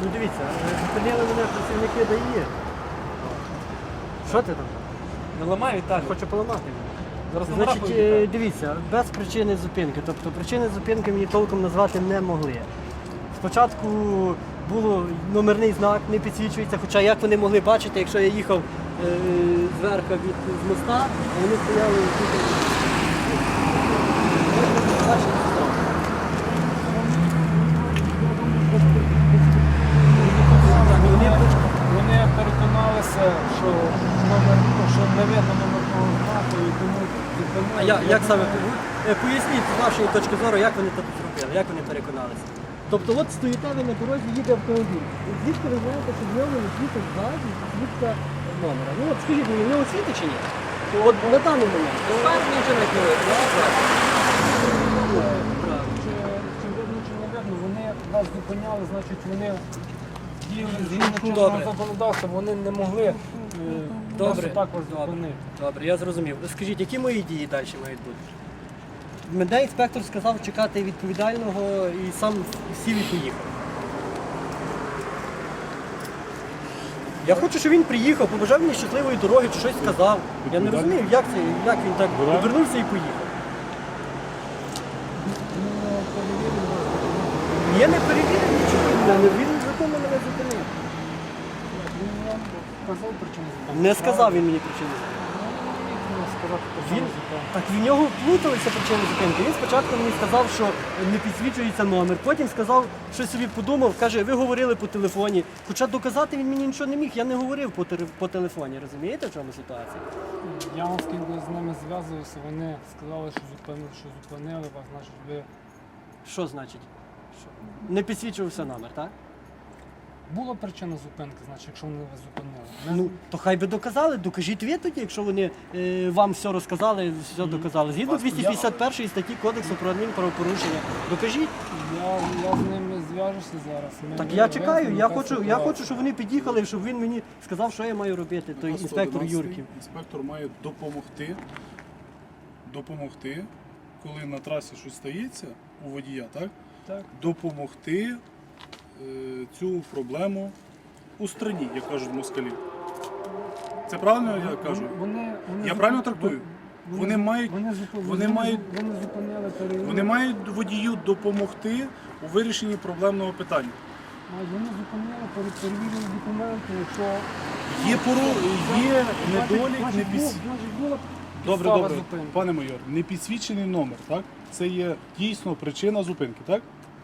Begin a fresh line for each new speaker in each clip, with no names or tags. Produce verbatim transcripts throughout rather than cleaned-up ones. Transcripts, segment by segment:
Ну дивіться, зупинили мене працівники ДАІ. Що ти там?
Не ламай, Віталій.
Хочу поламати.
Зараз номера
Значить,
повідомляю.
е, дивіться, без причини зупинки. Тобто причини зупинки мені толком назвати не могли. Спочатку було номерний знак, не підсвічується, хоча як вони могли бачити, якщо я їхав е, зверху від з моста, а вони стояли тут. Бачите, знак. Вони
Вони переконалися, що номер, ну, що не видно номерного знаку, і тому зупинили.
А я, як саме Е, поясніть з вашої точки зору, як вони це зробили, як вони переконалися? Тобто от стоїте ви на дорозі, їде автомобіль. І звідки ви знаєте, що в ньому не світить ззаді світка номера? Ну от скажіть мені, в нього світить чи ні? От на даний момент. Фарні вже не
Чи, чи видно, чи не видно, вони нас зупиняли, значить вони діяли згідно чинного
Добре.
законодавства, вони не могли е,
Добре.
нас також зупинити.
Добре, я зрозумів. Скажіть, які мої дії далі мають бути? Мене інспектор сказав чекати відповідального і сам сів і поїхав. Я хочу, щоб він приїхав, побажав мені щасливої дороги чи щось сказав. Я не розумію, як це, як він так обернувся і поїхав. Я не перевірив нічого, він законно мене зупинив.
Він вам сказав причину зупинки?
Не сказав він мені причину. Він, так в нього плуталися причини зупинки. Він спочатку мені сказав, що не підсвічується номер. Потім сказав, що собі подумав, каже, ви говорили по телефоні. Хоча доказати він мені нічого не міг, я не говорив по, тер- по телефоні. Розумієте, в чому ситуація?
Я оскільки з ними зв'язувався, вони сказали, що зупинили, що зупинили вас, значить ви...
Що значить? Що? Не підсвічувався номер, так?
Була причина зупинки, значить, якщо вони вас зупинили. Ми-
Ну, то хай би доказали, докажіть ви тоді, якщо вони е, вам все розказали, все доказали. Згідно двісті п'ятдесят першої статті Кодексу про адмінправопорушення. Докажіть.
Я, я з ними зв'яжуся зараз. Ми
Так я чекаю,
вияснимо,
я
яка
хочу, я
ситуація.
хочу, щоб вони під'їхали, щоб він мені сказав, що я маю робити, той
Наказ
інспектор
сто одинадцять.
Юрків.
Інспектор має допомогти, допомогти, коли на трасі щось стається у водія, так?
Так.
Допомогти е, цю проблему устраніть, як кажуть москалі. Це правильно я кажу?
Вони, вони
Я
зуп-
правильно трактую?
Вони,
Вони мають-
вони, зуп-
вони мають-
вони зупиняли перевірку.
Вони мають водію допомогти у вирішенні проблемного питання.
Мають- Вони зупиняли, пере- перевірили документи, якщо...
Є поро... є
Значить,
недолік,
значить,
не
був-
піс...
значить, була
Добре,
підстава
добре,
зупинки.
пане майор, не підсвічений номер, так? Це є дійсно причина зупинки, так?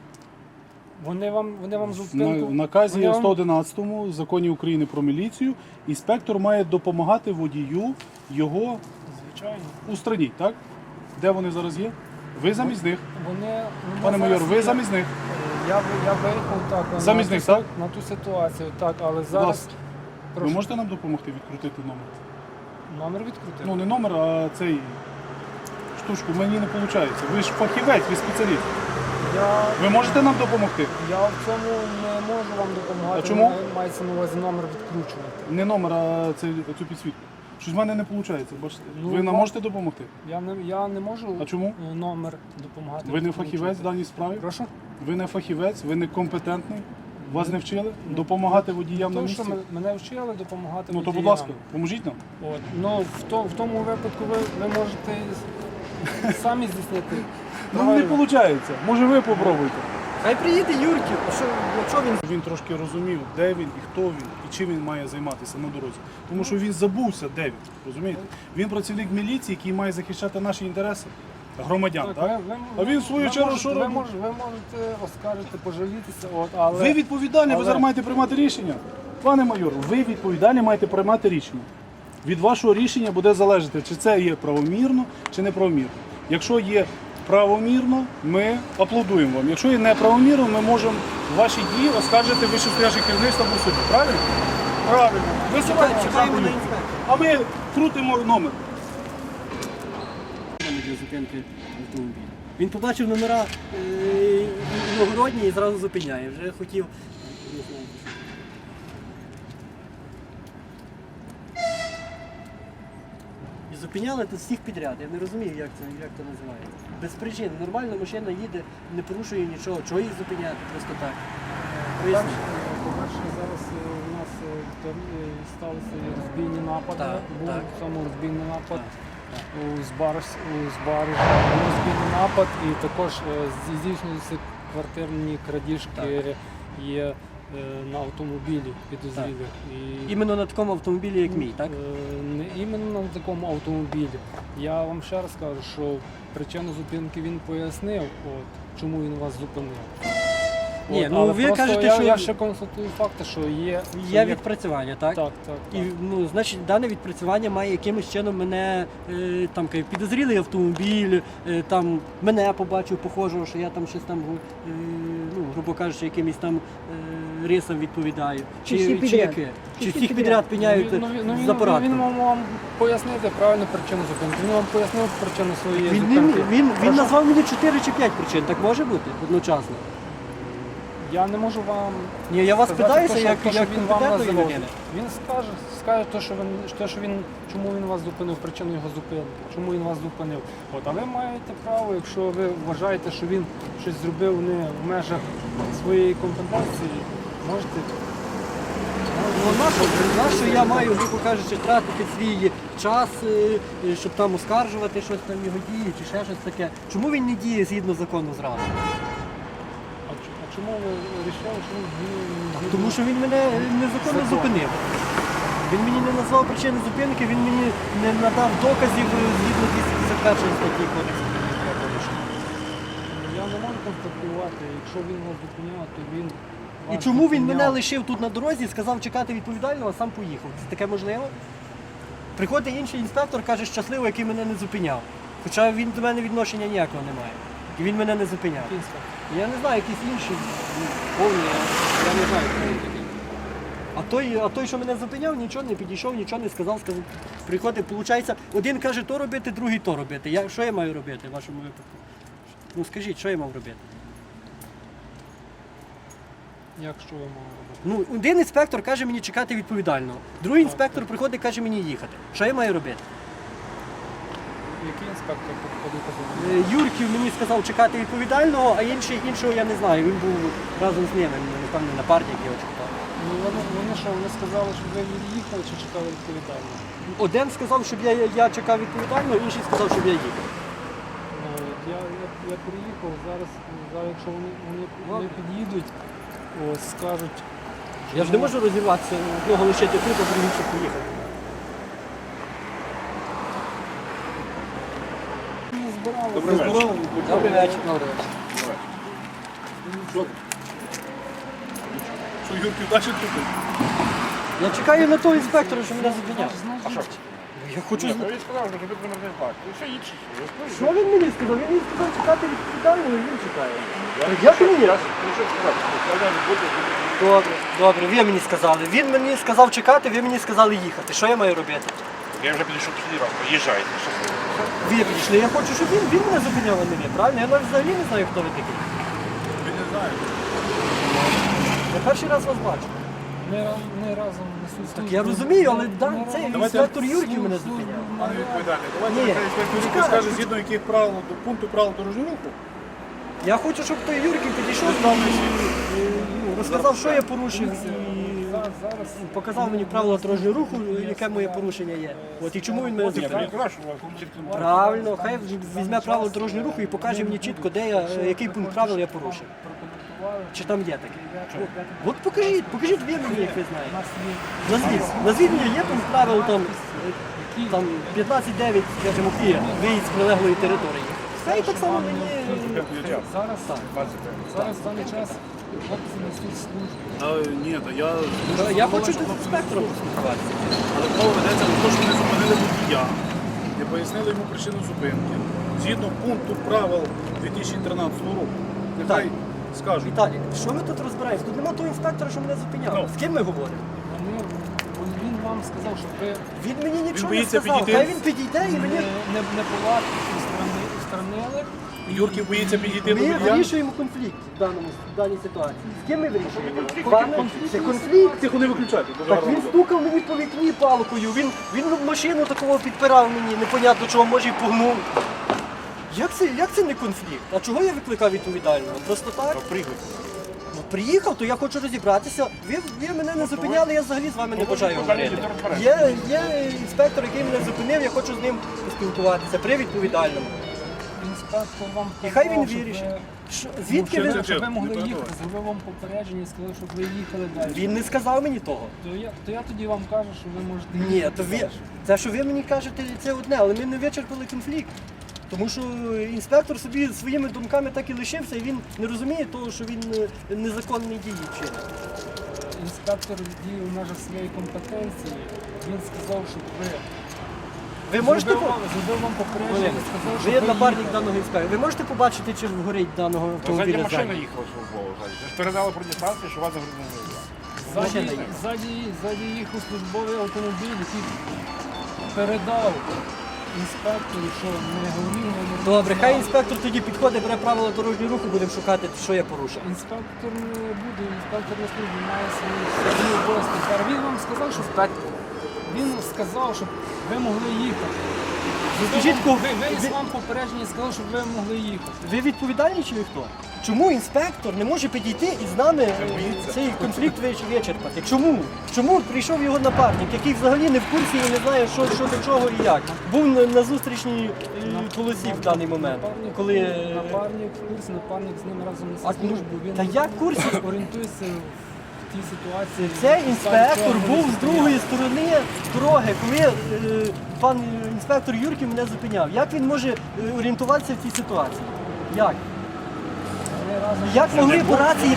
Вони вам, вони вам
На,
зупинку...
в наказі
вони вам-
сто одинадцятому законі України про міліцію інспектор має допомагати водію його
Звичайно.
устраніть, так? Де вони зараз є? Ви замість них.
Вони, вони
Пане майор,
зараз
ви
є-
замість них.
Я, ви- я виїхав так, на
Замість
ту
них,
си-
так?
на ту ситуацію, так, але
Будь
зараз
ласка, ви
прошу,
можете нам допомогти відкрутити номер?
номер відкрутити.
Ну не номер, а цей штучку. Мені не виходить. Ви ж фахівець, ви спеціаліст.
Я,
Ви можете нам допомогти?
я в цьому не можу вам допомагати.
А чому?
Мене Мається на увазі номер відкручувати.
Не номер, а цей, цю підсвітку. Щось в мене не виходить, бачите?
Ну,
ви нам
вам-
можете допомогти?
Я не, я не можу
А чому?
е, номер допомагати.
Ви не
відкручувати.
фахівець в даній справі?
Прошу?
Ви не фахівець, ви не компетентний? Вас не вчили допомагати водіям на
Тому що
місці?
ме- мене вчили допомагати
Ну то, будь
водіям.
ласка, поможіть нам.
От. Ну, в, то, в тому випадку ви, ви можете самі здійснити.
Ну не виходить. Може ви попробуйте.
Хай приїде Юрків, а що, якщо він...
Він трошки розумів, де він і хто він, і чим він має займатися на дорозі. Тому що він забувся, де він. Розумієте? Він працівник міліції, який має захищати наші інтереси громадян. Так,
ви- ви-
А він в свою
ви
чергу
можете-
що
ви
робить?
можете, ви можете оскаржити, пожалітися, от, але...
Ви відповідальні, ви
але-
зараз маєте приймати рішення. Пане майор, ви відповідальні маєте приймати рішення. Від вашого рішення буде залежати, чи це є правомірно, чи неправомірно. Якщо є правомірно, ми аплодуємо вам. Якщо є неправомірно, ми можемо ваші дії оскаржити вищестояще керівництво або суді. Правильно? Правильно. Ви
Чекаємо
сьогодні
чекаємо на інспектора.
а ми крутимо номер.
Для зупинки автомобіля. Він побачив номера е, іногородні і зразу зупиняє. Вже хотів. Не знаю. І зупиняли тут всіх підряд. Я не розумію, як це, як це називається. Без причин. Нормально машина їде, не порушує нічого. Чого їх зупиняти просто так? Поясніть.
По-перше, зараз е, у нас е, там, е, сталися і розбійні напади.
Так,
Був
так.
саме розбійний напад.
Так,
У Збарж, у Збаржі був розбійний напад, і також е, зі- здійснюються квартирні крадіжки є е, на автомобілі підозрілих. І,
Іменно на такому автомобілі, як мій, так?
Е, Не іменно на такому автомобілі. Я вам ще раз кажу, що причину зупинки він пояснив, от, чому він вас зупинив.
Ні,
От,
ну,
але
ви
просто
кажете,
я,
що-
я ще констатую факти, що є. що
Є відпрацювання, так?
Так, так, так.
І ну, значить, дане відпрацювання має якимось чином мене е, там кажуть, підозрілий автомобіль, е, там мене побачив похожого, що я там щось там, е, ну, грубо кажучи, якимось там е, рисам відповідаю.
Чи всі підряд?
яке?
Чи
Чи
всі
всіх
підряд?
підряд піняють
Ну, він, ну,
з
він,
апаратом?
він мав вам пояснити правильну причину зупинки. Він вам пояснив причину своєї
Він, він,
зупинки.
він, він
Прошу.
назвав мені чотири чи п'ять причин, так може бути одночасно?
Я не можу вам
Ні, я вас
сказати,
питаюся,
то, що-
як,
то, що
як
він вам
компетентної
називав.
людини.
Він скаже, скаже те, що він, те, що він, чому він вас зупинив, причину його зупинки, чому він вас зупинив. От, а ви маєте право, якщо ви вважаєте, що він щось зробив не в межах своєї компетенції, можете.
Ну, нащо, нащо я маю, грубо кажучи, тратити свій час, е, е, щоб там оскаржувати щось там його дії чи ще щось таке. Чому він не діє згідно закону зразу?
А, ч- а чому ви вирішили, що він
Тому що він мене незаконно
Закон.
зупинив. Він мені не назвав причини зупинки, він мені не надав доказів е, згідно двісті п'ятдесят першої статті Кодексу адміністративного порушення.
Я не можу констатувати, якщо він вас зупиняв, то він.
І
вас
чому він мене
зупиняв.
лишив тут на дорозі, сказав чекати відповідального, а сам поїхав? Це таке можливо? Приходить інший інспектор, каже, щасливо, який мене не зупиняв. Хоча він до мене відношення ніякого не має. І він мене не зупиняв.
Який інспектор?
Я не знаю, якісь інші ну, повні, я, я не знаю, хто він такий. А той, а той, що мене зупиняв, нічого не підійшов, нічого не сказав, сказав. Приходить, виходить, один каже то робити, другий то робити. Я, що я маю робити в вашому випадку? Ну скажіть, що я мав робити?
Як що ви мали робити?
Ну, один інспектор каже мені чекати відповідального, другий інспектор приходить і каже мені їхати. Що я маю робити?
Який інспектор підходив казав?
Е, Юрків мені сказав чекати відповідального, а інший, іншого я не знаю. Він був разом з ними, напевно, напарник його чекав.
Ну вони, вони що, вони сказали, що ви від'їхали чи чекали відповідально?
Один сказав, щоб я, я чекав відповідального, інший сказав, щоб я їхав.
Ну, от я, я, я приїхав, зараз, зараз якщо вони, вони, вони під'їдуть, ось, скажуть.
Я ж не можу розірватися, одного лишити тут, а другий щоб поїхав.
Не збирали.
Добрий вечір.
Добрий вечір.
Що Юрків далі тут?
Я чекаю на того інспектора, що мене зупиняв.
А що?
Я хочу
Ні,
знати.
ну він сказав, що тобі номерний знак. І все їдь.
Що він мені сказав? Він мені сказав чекати відповідального, і він чекає. Як мені?
Я прийшов сказати, що коли не буде,
Добре, добре, ви мені сказали. Він мені сказав чекати, ви мені сказали їхати. Що я маю робити?
я вже підійшов після раз, поїжджайте. щасливо.
Ви підійшли, я хочу, щоб він, він мене зупиняв, а не ви, правильно? Я навіть взагалі не знаю, хто ви такий.
Він не знає.
Я перший раз вас бачу.
Ми, раз- ми разом несуть
Так
службу.
я розумію, але
Ми
да,
разом
цей
несуть
інспектор Юрків мене
службу.
зупиняв.
Пане відповідальний, давайте
Ні.
нехай інспектор Юрків
Чекай.
скаже, згідно яких правил до пункту правил дорожнього руху.
Я хочу, щоб той Юрків підійшов і ну, розказав, що я порушив, і
Зараз, зараз
показав мені правила дорожнього руху, яке моє порушення є. От і чому він мене
Ні, то
зупиняв.
він сказав, що у вас чітко
Правильно, хай візьме правила дорожнього руху і покаже мені чітко, де я, е, який пункт правил я порушив.
прокоментували.
Чи там є таке? От, от покажіть, покажіть ви мені, як ви
У
знаєте.
нас є
Назвіть, назвіть мені, є пункт правил там, е, там п'ятнадцять дев'ять, скажімо, і виїзд з прилеглої території. Все і так само мені.
зараз,
Так.
зараз в даний час хлопці несуть службу.
А, ні, то я...
Я хочу тут з інспектором поспілкуватися.
Але мова ведеться про те, що не зупинили водія, не пояснили йому причину зупинки. Згідно пункту правил дві тисячі тринадцятого року. Нехай скажуть.
Віталій, що ми тут розбираємося? Тут немає того інспектора, що мене зупиняв.
Ну.
З ким ми говоримо?
Вони, він вам сказав, що ви
Він мені нічого не
боїться
сказав.
підійти?
Хай він підійде і
не,
мені.
не, не була устранили.
Юрків боїться підійти до
Ми
водія.
вирішуємо конфлікт в, даному, в даній ситуації. З ким ми вирішуємо? Пане, це конфлікт.
Тихо, не виключайте. дуже
Так
гарно
він
буде.
стукав мені по вікні палкою, він, він машину такого підпирав мені, непонятно чого, може і погнув. Як це, як це не конфлікт? А чого я викликав відповідального? Просто так?
Пригодь.
Ну
приїхав, то я хочу розібратися. Ви, ви мене не зупиняли, я взагалі з вами не бажаю
Покажіть,
говорити.
то розберемося.
Є, є інспектор, який мене зупинив, я хочу з ним поспілкуватися при відповідальному.
Інспектор вам
І хай він
казав, щоб
вирішить.
ви-
Що, звідки
Ну,
ви?
що
Щоб ви
Не
могли
треба.
їхати, зробив вам попередження і сказав, щоб ви їхали далі.
Він не сказав мені того.
То я, то я тоді вам кажу, що ви можете
Ні,
їхати
то ви,
далі.
те, що ви мені кажете, це одне, але ми не вичерпали конфлікт. Тому що інспектор собі своїми думками так і лишився, і він не розуміє того, що він е, незаконні дії вчинив.
Інспектор діє в межах своєї компетенції. Він сказав, щоб ви
Ви можете
зробив,
по-
вам, зробив вам попередження
Олег,
і сказав,
ви
щоб
є
ви
напарник
їхали.
даного інспектора. Ви можете побачити, чи горить даного
Ззаді
автомобіля
машина
ззаді?
їхала службово. ззаді. Ви ж передали про дистанцію, що вас загрузили.
Ззаді,
Машина їхала.
ззаді, ззаді їхав службовий автомобіль, який передав інспектору, що не говорив, не
Добре, хай
знав.
інспектор тоді підходить, бере правила дорожнього руху, будемо шукати, що я порушив.
Інспектор не буде, інспектор на службі має свої свої обов'язки. Тепер Він вам сказав, що він сказав, щоб ви могли їхати.
Скажіть,
ви,
ко-
виніс
ви-
вам попередження і сказав, щоб ви могли їхати.
Ви відповідальні чи ви хто? Чому інспектор не може підійти і з нами е, цей конфлікт вич- вичерпати? Чому? Чому прийшов його напарник, який взагалі не в курсі і не знає, що, що до чого і як? Був на, на зустрічній е, полосі в даний момент,
Напарник,
коли е,
напарник в курсі, напарник з ним разом
А,
несе
ну,
службу. Він
та як в курсі?
орієнтується в тій ситуації.
цей інспектор
Сам
був
цього
з другої сторони дороги, коли е, пан інспектор Юрків мене зупиняв. Як він може е, орієнтуватися в цій ситуації? Як?
Вони разом
Як могли по рації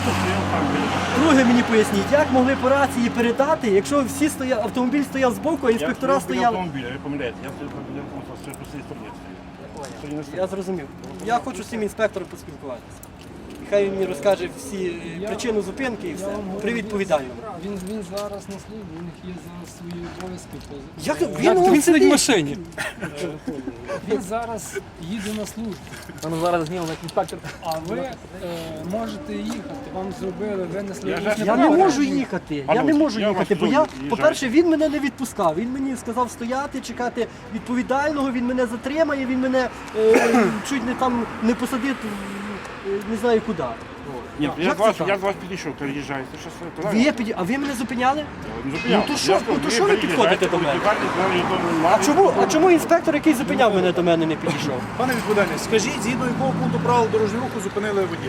друге мені поясніть, як могли по рації передати, якщо всі стоя... автомобіль стояв збоку, а інспектора
Я стою біля
стояли.
автомобіля, ви помиляєте. Я стою біля автомобіля, по цій стороні стою. Стою на
Я зрозумів. Я хочу з цим інспектором поспілкуватися. І хай він мені розкаже всі е,
Я-
причину зупинки і
Я
все.
вам говорю,
При відповідальному.
Він, він зараз на службі, у них є зараз свої обов'язки. по-
Як
е,
він он сидить в
машині? Він зараз їде на службу,
Ну зараз знімемо як інспектор.
а ви е, можете їхати. Вам зробили, винесли.
Я
усне
ж-
Я не
право.
можу їхати. Я
Пане
не
Олексій,
можу
я
їхати,
вас
бо я,
дуже
по-перше, він мене не відпускав. Він мені сказав стояти, чекати відповідального, він мене затримає, він мене е, чуть не там не посадить, в- е, не знаю куди.
Ні, я
Як
з вас,
це так?
я з вас підійшов, то їжджайте. Що це?
Ви, є піді- а ви мене зупиняли?
Не зупиняв.
Ну, то що-
Я сказав,
ну, то що ви підходите до мене?
відповідальність, знаю, що
А
маю.
чому, а чому інспектор, який зупиняв мене, до мене не підійшов?
Пане відповідальний, скажіть, згідно якого пункту правил дорожнього руху зупинили водія?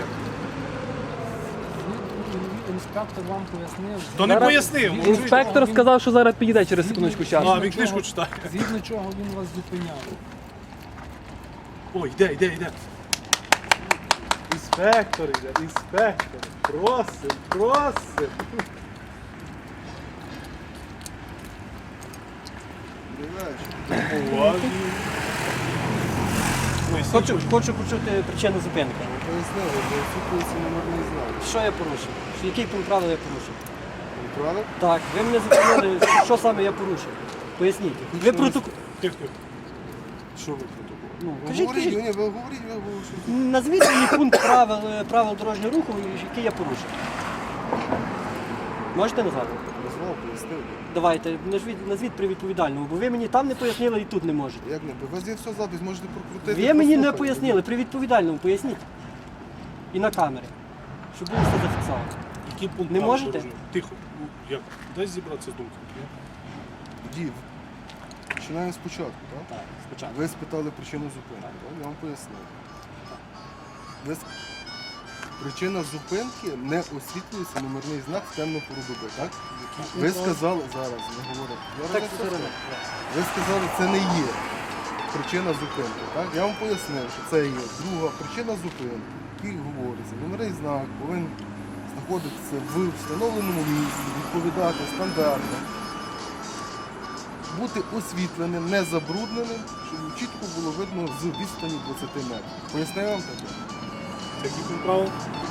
Інспектор вам пояснив.
То не
Зараз
пояснив.
Він-
може,
Інспектор
він-
сказав, що зараз підійде через секундочку
А,
часу.
він книжку читає.
Згідно чого він вас зупиняв.
Ой, йде, йде, йде. Інспектор йде, інспектор. Просим, просим. Уважно. Ой,
Хочу, хочу почути причину зупинки.
Пояснили, бо відсутність номерний знак.
Що я порушив? Що- Який пункт правил я порушив?
Правда?
Так, ви мене зупинили, що саме я порушив? Поясніть. Ви протокол.
Тихо, тихо.
Що ви протокол?
Ну,
Ви
кажіть,
говоріть,
кажіть.
ні, ви говоріть, ви говорите.
Назвіть мені пункт правил, е, правил дорожнього руху, який я порушив. Можете назвати?
Назвав, пояснив.
Давайте, назвіть, назвіть при відповідальному, бо ви мені там не пояснили і тут не можете.
Як не? У вас є все запис, можете прокрутити.
Ви мені не
послухати.
пояснили, при відповідальному поясніть. І на камері. Щоб було все зафіксовано.
Який пункт
Не
правил
можете?
дорожнього? Тихо. Ну, Як? Дай зібратися з думками.
Дід, починаємо спочатку, так?
Так, спочатку.
Ви спитали причину зупинки, так? Я вам пояснив. Ви с- Причина зупинки не освітлюється номерний знак в темну пору доби, так? Ви сказали, зараз не говорю. Я
Так,
розумію,
Сирена.
ви сказали, це не є причина зупинки. Так? Я вам пояснив, що це є друга причина зупинки, який говориться. Номерний знак повинен знаходитися в встановленому місці, відповідати стандартам, бути освітленим, не забрудненим, щоб чітко було видно з відстані двадцяти метрів. Пояснив вам таке?
Який пункт правил?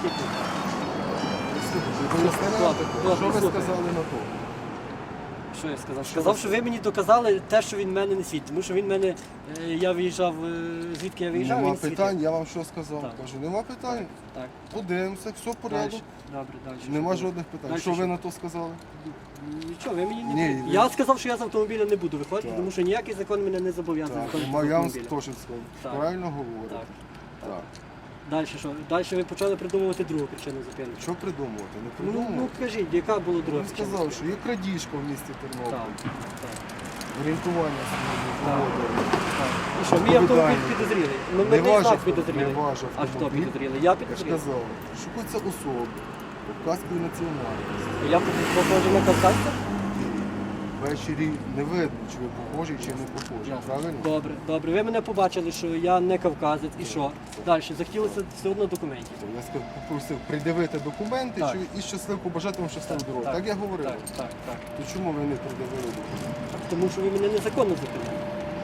Пояснив вам таке?
Ладно,
Що ви
слухай.
сказали на то?
Що я сказав? Сказав, що ви мені доказали те, що він мене не світить. Тому що він мене, е, я виїжджав, е, звідки я виїжджав,
Нема
він світив.
питань, я вам що сказав?
Так.
Кажу, нема питань.
Так,
Подивимося, все в порядку.
дальше. Добре, далі.
Нема жодних питань.
Дальше
Що ви
що?
на то сказали?
Нічого, ви мені не
Ні, ви-
Я сказав, що я з автомобіля не буду виходити,
Так.
тому що ніякий закон мене не зобов'язує
Так,
виходити з
нема- я вам
автомобіля.
теж сказав.
Так.
Правильно говорите.
Так.
Так.
Далі що? Далі ви почали придумувати другу причину зупинки.
Що придумувати? Не
Ну,
придумувати.
ну кажіть, яка була друга
Він
причина?
сказав, що є крадіжка в місті Тернопіль.
Так, так,
Орієнтування своєї погоди.
так. І що, мій автомобіль
Відповідальний.
підозрілий?
Не
Номерний
ваш
знак
авто-
підозрілий.
не ваш
А хто
автомобіль.
підозрілий? Я
Я ж
підозрілий.
казав, шукаються особи, кавказької національності.
Я похожий на кавказця?
Ввечері не видно, чи ви похожі, чи не похожі. Правильно?
Добре, добре. Ви мене побачили, що я не кавказець. І що? Далі, захотілося все одно документів.
Я сказав, попросив придивити документи
Так.
що- і щасливо побажати вам щасливу дорогу. Так, я говорив.
Так, так, так.
То чому ви не придивили документи?
Тому що ви мене незаконно зупинили.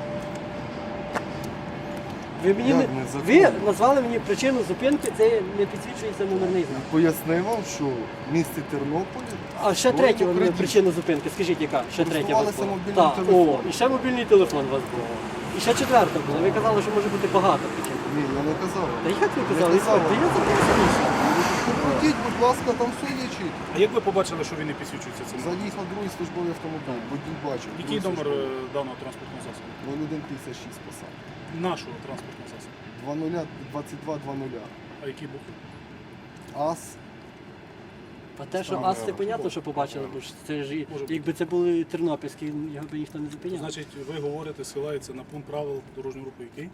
Ви мені
Як
не...
незаконно?
ви назвали мені причину зупинки, це не підсвічується номерний знак.
Пояснив вам, що в місті Тернополі
А ще
було
третя у мене
крадіжка.
причина зупинки. Скажіть, яка? Ще третя у вас
Користувалися
була?
мобільним
Так,
телефоном.
о, і ще мобільний телефон у вас був. І ще четверта була. Ви казали, що може бути багато причин.
Ні, я не казав.
Та як ви казали?
Не казав.
Та я записаніше.
Покрутіть, будь ласка, там все є чітко.
А як ви побачили, що він не підсвічується цим?
Заїхав другий службовий автомобіль, водій бачив.
Який
другий
номер
службовий.
е, даного транспортного засобу?
нуль один п'ятдесят шість посад.
Нашого транспортного засобу.
два нуль двадцять два двадцять.
А які букви?
АС.
А те, що
Саме
ас, це
треба.
понятно, що побачили, бо ж це ж і-
Може бути.
якби це були тернопільські, його би ніхто не зупиняв.
Значить, ви говорите, силається на пункт правил дорожнього руху, який?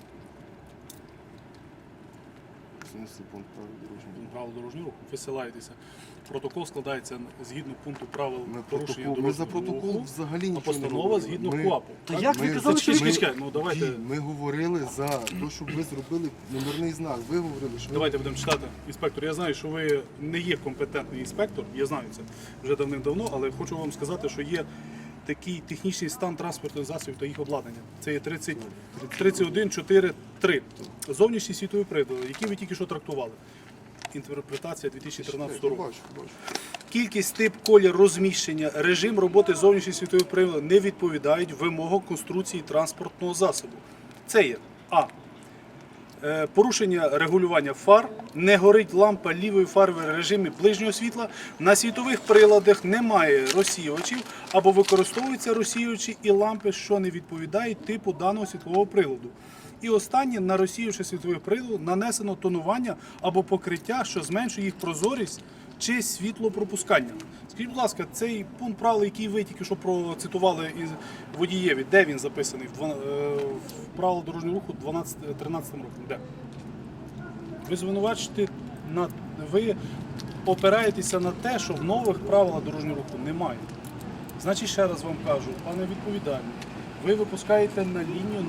Синусний пункт правил дорожнього руху.
Пункт правил дорожнього руху. Ви силаєтеся. Протокол складається згідно пункту правил
Ми,
порушення
протокол, ми за
дорожнього
протокол
руху,
взагалі
а
нічого не
постанова
робили.
згідно
Ми-
КУАПу.
Та
Так?
як ви
Ми-
казали, що
Чекай,
ви...
чекай, ну давайте,
Ді, Ми говорили за те, щоб ви зробили номерний знак. Ви говорили, що ви-
давайте будемо читати. Інспектор, я знаю, що ви не є компетентний інспектор, я знаю це вже давним-давно, але хочу вам сказати, що є такий технічний стан транспортних засобів та їх обладнання. Це є тридцять, тридцять один чотири три. Зовнішні світові прилади, які ви тільки що трактували. Інтерпретація дві тисячі тринадцятого року.
Бачу, бачу.
Кількість, тип, колір, розміщення, режим роботи зовнішніх світових приладів не відповідають вимогам конструкції транспортного засобу. Це є А. Е, Порушення регулювання фар, не горить лампа лівої фари в режимі ближнього світла, на світових приладах немає розсіювачів або використовуються розсіювачі і лампи, що не відповідають типу даного світлового приладу. І останнє, на розсіювачі світлових приладів нанесено тонування або покриття, що зменшує їх прозорість чи світлопропускання. Скажіть, будь ласка, цей пункт правил, який ви тільки що процитували із водієві, де він записаний? В, два- е, в правилах дорожнього руху тринадцятому роком. Де? Ви звинувачуєте, на, ви опираєтеся на те, що в нових правилах дорожнього руху немає. Значить, ще раз вам кажу, пане відповідальний, ви випускаєте на лінію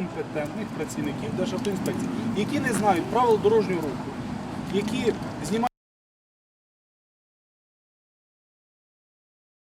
некомпетентних працівників Державтоінспекції, які не знають правил дорожнього руху, які знімають